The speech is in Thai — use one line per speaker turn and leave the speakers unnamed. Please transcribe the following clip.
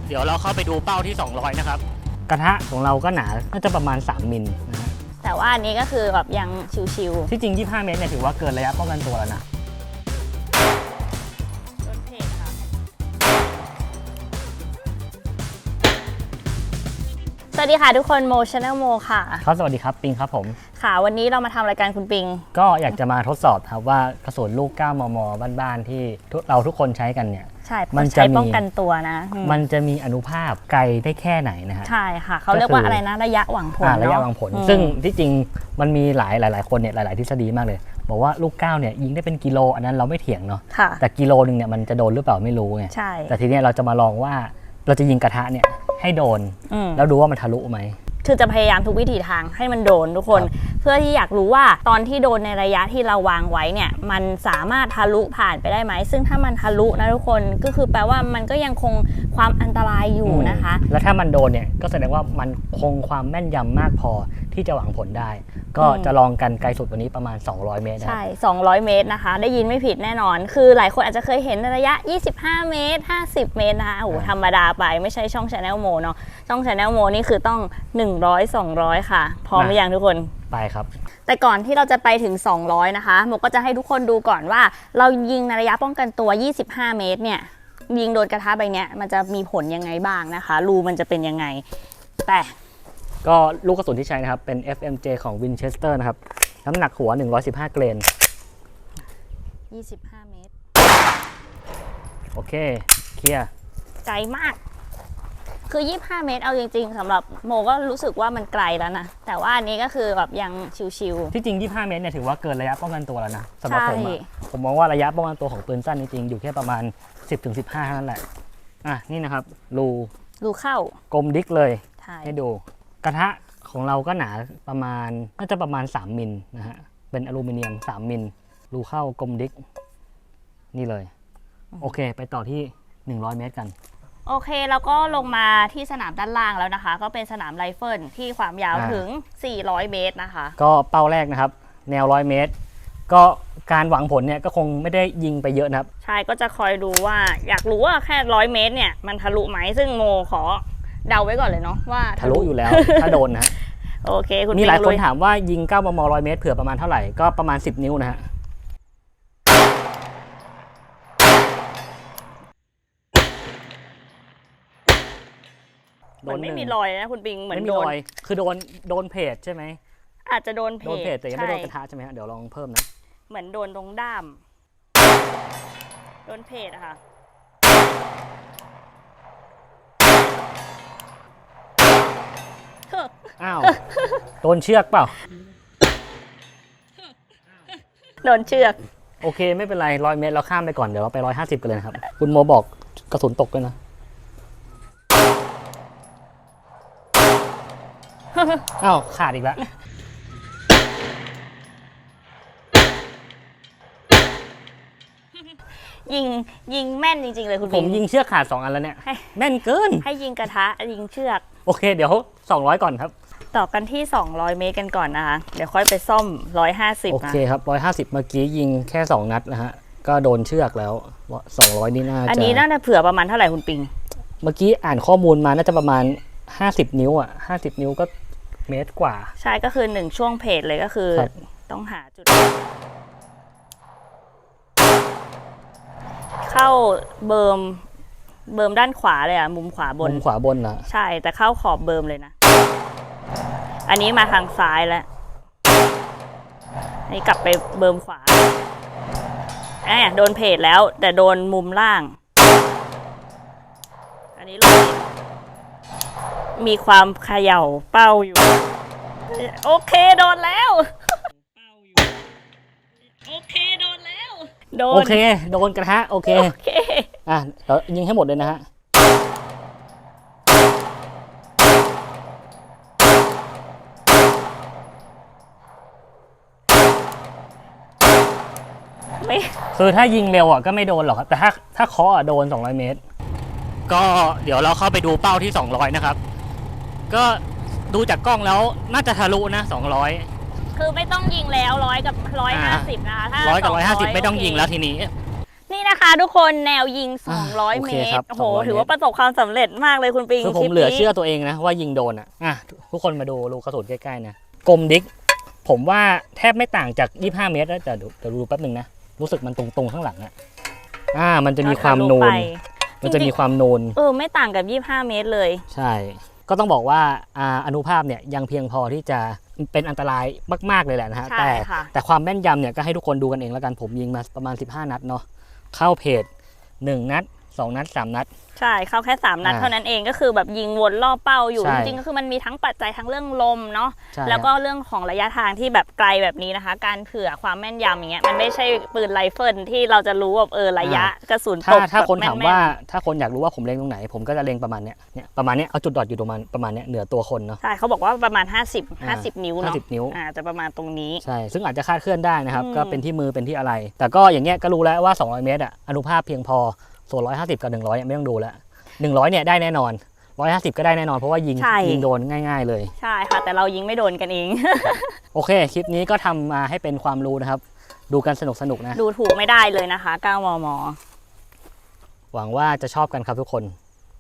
เดี๋ยวเราเข้าไปดูเป้าที่200นะครับกระทะของเราก็หนาน่าจะประมาณ3มิลนะฮะ
แต่ว่าอันนี้ก็คือแบบยังชิวๆ
ที่จริง25เมตรเนี่ยถือว่าเกินระยะป้องกันตัวแล้วนะ
ต้นเพจค่ะสวัสดีค่ะทุกคนโม Channel โมค่ะ
ครับสวัสดีครับปิงครับผม
ค่ะวันนี้เรามาทำรายการคุณปิง
ก็อยากจะมาทดสอบครับว่ากระสุนลูก9 มมบ้านๆที่เราทุกคนใช้กันเนี่ย
ใช่มันใช้ป้องกันตัวนะ
มันจะมีอนุภาพไกลได้แค่ไหนนะฮะ
ใช่ค่ะเขาเรียกว่าอะไรนะระยะหวังผล
ระยะหวังผลซึ่งที่จริงมันมีหลายคนเนี่ยหลายๆทฤษฎีมากเลยบอกว่าลูก9เนี่ยยิงได้เป็นกิโลอันนั้นเราไม่เถียงเนาะแต่กิโลนึงเนี่ยมันจะโดนหรือเปล่าไม่รู้ไง
ใช่
แต่ทีนี้เราจะมาลองว่าเราจะยิงกระทะเนี่ยให้โดนแล้วดูว่ามันทะลุไหม
คือจะพยายามทุกวิถีทางให้มันโดนทุกคนเพื่อที่อยากรู้ว่าตอนที่โดนในระยะที่เราวางไว้เนี่ยมันสามารถทะลุผ่านไปได้ไหมซึ่งถ้ามันทะลุนะทุกคนก็คือแปลว่ามันก็ยังคงความอันตรายอยู่นะคะ
แล้วถ้ามันโดนเนี่ยก็แสดงว่ามันคงความแม่นยำมากพอที่จะหวังผลได้ก็จะลองกันไกลสุดวันนี้ประมาณ200เมตร
ใช่200เมตรนะคะได้ยินไม่ผิดแน่นอนคือหลายคนอาจจะเคยเห็นในระยะ25เมตร50เมตรนะคะโอ้โหธรรมดาไปไม่ใช่ช่อง Channel โมเนาะช่อง Channel โมนี่คือต้อง100 200ค่ะพร้อมหรือยังทุกคน
ไปครับ
แต่ก่อนที่เราจะไปถึง200นะคะโมก็จะให้ทุกคนดูก่อนว่าเรายิงในระยะป้องกันตัว25เมตรเนี่ยยิงโดนกระทะใบเนี้ยมันจะมีผลยังไงบ้างนะคะรูมันจะเป็นยังไงแต่
ก็ลูกกระสุนที่ใช้นะครับเป็น FMJ ของ Winchester นะครับน้ำหนักหัว115เกรน
25เมตร
โอเคเคลียร์
ไกลมากคือ25เมตรเอาจริงๆสำหรับโมก็รู้สึกว่ามันไกลแล้วนะแต่ว่าอันนี้ก็คือแบบยังชิว
ๆที่จริง25เมตรเนี่ยถือว่าเกินระยะป้องกันตัวแล้วนะสำหรับผมมองว่าระยะป้องกันตัวของปืนสั้นจริงๆอยู่แค่ประมาณ 10-15 เท่านั้นแหละนี่นะครับรู
เข้าก
ลมดิ๊กเลยให้ดูกระทะของเราก็หนาประมาณน่าจะประมาณ3มิลนะฮะเป็นอลูมิเนียม3มิลรูเข้ากลมดิ๊กนี่เลยโอเคไปต่อที่100เมตรกัน
โอเคแล้วก็ลงมาที่สนามด้านล่างแล้วนะคะก็เป็นสนามไรเฟิลที่ความยาวถึง400เมตรนะคะ
ก็เป้าแรกนะครับแนว100เมตรก็การหวังผลเนี่ยก็คงไม่ได้ยิงไปเยอะนะครับ
ใช่ก็จะคอยดูว่าอยากรู้ว่าแค่100เมตรเนี่ยมันทะลุไหมซึ่งโมขอเดาไว้ก่อนเลยเนาะว่า
ทะลุอยู่แล้วถ้าโดนนะ
โอเคคุณ
มีหลายคนถามว่ายิง9 มม100เมตรเผื่อประมาณเท่าไหร่ก็ประมาณ10นิ้วนะฮะ
มันไม่มีรอยนะคุณปิงเหมือน
โดนคือโดนเพจใช่ไหม
อาจจะโดนเพจ
แต่ยังไม่โดนกระทะใช่ไหมฮะเดี๋ยวลองเพิ่มนะ
เหมือนโดนตรงด้ามโดนเพจอะค่ะ
อ้าวโดนเชือกเปล่า
โดนเชือก
โอเคไม่เป็นไร100เมตรเราข้ามไปก่อนเดี๋ยวเราไป150กันเลยครับคุณโมบอกกระสุนตกด้วยนะอ้าวขาดอีกแล้ว
ยิงแม่นจริงๆเลยคุณ
ผมยิงเชือกขาด2อันแล้วเนี่ยแม่นเกิน
ให้ยิงกระทะยิงเชือก
โอเคเดี๋ยว200ก่อนครับ
ต่อกันที่200เมตรกันก่อนนะคะเดี๋ยวค่อยไปซ่อม150
โอเคครับ150เมื่อกี้ยิงแค่2นัดนะฮะก็โดนเชือกแล้ว200นี่น่าจะ
อันนี้น่าจะเผื่อประมาณเท่าไหร่คุณปิง
เมื่อกี้อ่านข้อมูลมาน่าจะประมาณ50นิ้ว50นิ้วก็เมตรกว่า
ใช่ก็คือ1ช่วงเพจเลยก็คือต้องหาจุดเข้าเบิร์มด้านขวาเลยมุมขวาบน
นะ
ใช่แต่เข้าขอบเบิร์มเลยนะอันนี้มาทางซ้ายแล้วนี่กลับไปเบิร์มขวาโดนเพจแล้วแต่โดนมุมล่างอันนี้มีความเขย่าเป้าอยู่โอเคโดนแล้วโอเคโดนแล้ว
โอเคโดนกระทะโอเคเรายิงให้หมดเลยนะฮะคือถ้ายิงเร็วก็ไม่โดนหรอกครับแต่ถ้าเคาะโดน200เมตรก็เดี๋ยวเราเข้าไปดูเป้าที่200นะครับก็ดูจากกล้องแล้วน่าจะทะลุนะ200
คือไม่ต้องยิงแล้ว100 กับ 150นะคะถ้า
100 กับ 150ไม่ต้องยิงแล้วทีนี้
นี่นะคะทุกคนแนวยิง 200
โอ
เม
เค
ต
ครั
ร
บ
โอ้โห
200
ถือว่าประสบความสำเร็จมากเลยคุณปิง
คือผ
คลิ
ม
ป
เหลือ
นี้
เชื่อตัวเองนะว่ายิงโดนทุกคนมาดูรูกระสุนใกล้ๆนะกลมดิกผมว่าแทบไม่ต่างจาก25 เมตรแล้วแต่เดี๋ยวดูแป๊บนึงนะรู้สึกมันตรงๆข้างหลังมันจะมีความนูนมันจะมีความนูน
ไม่ต่างกับ 25 เมตรเลย
ใช่ ก็ต้องบอกว่าอนุภาพเนี่ยยังเพียงพอที่จะเป็นอันตรายมากๆเลยแหละนะฮะ
ใช่ค่ะ
แต่ความแม่นยำเนี่ยก็ให้ทุกคนดูกันเองแล้วกันผมยิงมาประมาณ15 นัดเนาะเข้าเพจ1 นัด 2 นัด 3 นัด
ใช่เข้าแค่ 3 นัดเท่านั้นเองก็คือแบบยิงวนรอบเป้าอยู่
ใช่
จริงๆก็คือมันมีทั้งปัจจัยทั้งเรื่องลมเนาะ
ใช่
แล้วก็เรื่องของระยะทางที่แบบไกลแบบนี้นะคะ การเผื่อความแม่นยำอย่างเงี้ยมันไม่ใช่ปืนไรเฟิลที่เราจะรู้ว่าระยะกระสุนตก
ถ้าคน
แบบ
ถาม
แม่นๆ
ว่าถ้าคนอยากรู้ว่าผมเล็งตรงไหน ผมก็จะเล็งประมาณเนี้ยประมาณเนี้ยเอาจุดดอทอยู่ประมาณเนี้ยเหนือตัวคนเนาะ
ใช่เขาบอกว่าประมาณ 50 นิ้วเนาะ
50 นิ้ว
จะประมาณตรงนี้
ใช่ซึ่งอาจจะคลาดเคลื่อนได้นะครับ
อืม
ก็เป็นที่มือเป็นที่อะไร แต่ก็อย่างเงี้ยก็รู้แล้วว่า200 เมตรอนุภาพเพียงพอส่วน150กับ100ไม่ต้องดูแล้ว100เนี่ยได้แน่นอน150ก็ได้แน่นอนเพราะว่ายิงโดนง่ายๆเลย
ใช่ค่ะแต่เรายิงไม่โดนกันเอง
โอเค คลิปนี้ก็ทำมาให้เป็นความรู้นะครับ ดูกันสนุกๆนะ
ดูถูกไม่ได้เลยนะคะ 9 มม.
หวังว่าจะชอบกันครับทุกคน